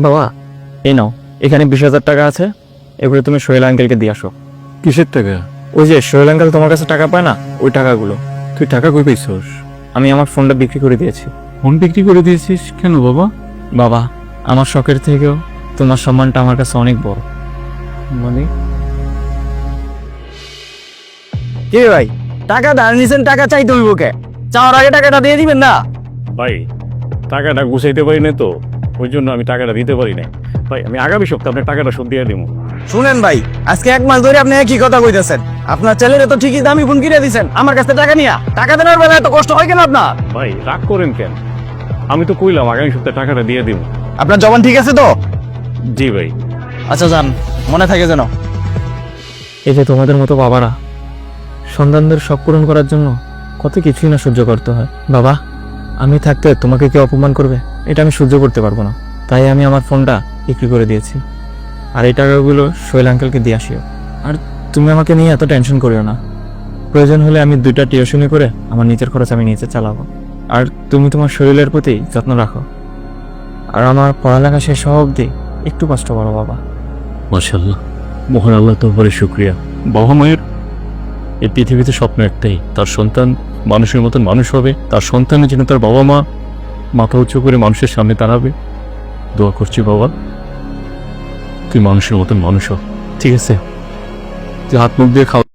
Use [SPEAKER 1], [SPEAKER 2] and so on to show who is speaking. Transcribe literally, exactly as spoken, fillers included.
[SPEAKER 1] বাবা এই নাও, এখানে বিশ হাজার টাকা আছে, এবারে তুমি সোহেল আঙ্কেলকে দিয়ে আসো।
[SPEAKER 2] কিসের টাকা?
[SPEAKER 1] ওই যে সোহেল আঙ্কেল তোমার কাছে টাকা পায় না, ওই টাকাগুলো।
[SPEAKER 2] তুই টাকা কই পাইছস?
[SPEAKER 1] আমি আমার ফোনটা বিক্রি করে দিয়েছি।
[SPEAKER 2] ফোন বিক্রি করে দিয়েছিস কেন বাবা?
[SPEAKER 1] বাবা, আমার শখের থেকেও তোমার সম্মানটা আমার কাছে অনেক বড়।
[SPEAKER 2] মানে
[SPEAKER 1] কে ভাই, টাকা ধার নিছেন, টাকা চাইতে হইব কে? চাওয়ার আগে টাকাটা দিয়ে দিবেন না?
[SPEAKER 2] ভাই, টাকাটা গুছাইতে পারি না তো, ওই জন্য আমি টাকাটা দিতে পারি না। ভাই, আমি আগামী সপ্তাহে আপনার টাকাটা শোধ দিয়ে দিব।
[SPEAKER 1] শুনেন ভাই, আজকে এক মাস ধরে আপনি কি কথা কইতেছেন? আপনার ছেলের তো ঠিকই দামি ফোন কিনে দিছেন, আমার কাছে টাকা নিয়া। টাকা দেওয়ার বেলায় এত কষ্ট হয় কেন আপনার?
[SPEAKER 2] ভাই, রাগ করেন কেন? আমি তো কইলাম আগামী সপ্তাহে টাকাটা দিয়ে দিব।
[SPEAKER 1] আপনার জবান ঠিক আছে তো?
[SPEAKER 2] জি ভাই।
[SPEAKER 1] আচ্ছা যান, মনে থাকে যেন। এই যে তোমাদের মতো বাবারা সন্তানদের শখ পূরণ করার জন্য কত কিছুই না সহ্য করতে হয়। বাবা, আমি থাকতে তোমাকে কেউ অপমান করবে, এটা আমি সহ্য করতে পারবো না। তাই আমি আমার ফোনটা বিক্রি করে দিয়েছি। আর এই টাকাগুলো সোহেল আঙ্কেলকে দিয়ে আসিও। আর তুমি আমাকে নিয়ে এত টেনশন করিও না। প্রয়োজন হলে আমি দুইটা টিউশনি করে আমার নিজের খরচ আমি নিজে চালাবো। আর তুমি তোমার শরীরের প্রতি যত্ন রাখো। আর আমার পড়ালেখা শেষ হওয়া অবধি একটু কষ্ট করো বাবা।
[SPEAKER 2] মাশাআল্লাহ, মহান আল্লাহ তোমার শুকরিয়া। বাবা মায়ের এই পৃথিবীতে স্বপ্ন একটাই, তার সন্তান মানুষের মতন মানুষ হবে, তার সন্তানের জন্য তার বাবা মা মাথা উঁচু করে মানুষের সামনে দাঁড়াবে। দোয়া করছি বাবা, তুই মানুষের মতন মানুষ হ। ঠিক আছে, তুই হাত মুখ দিয়ে খাও।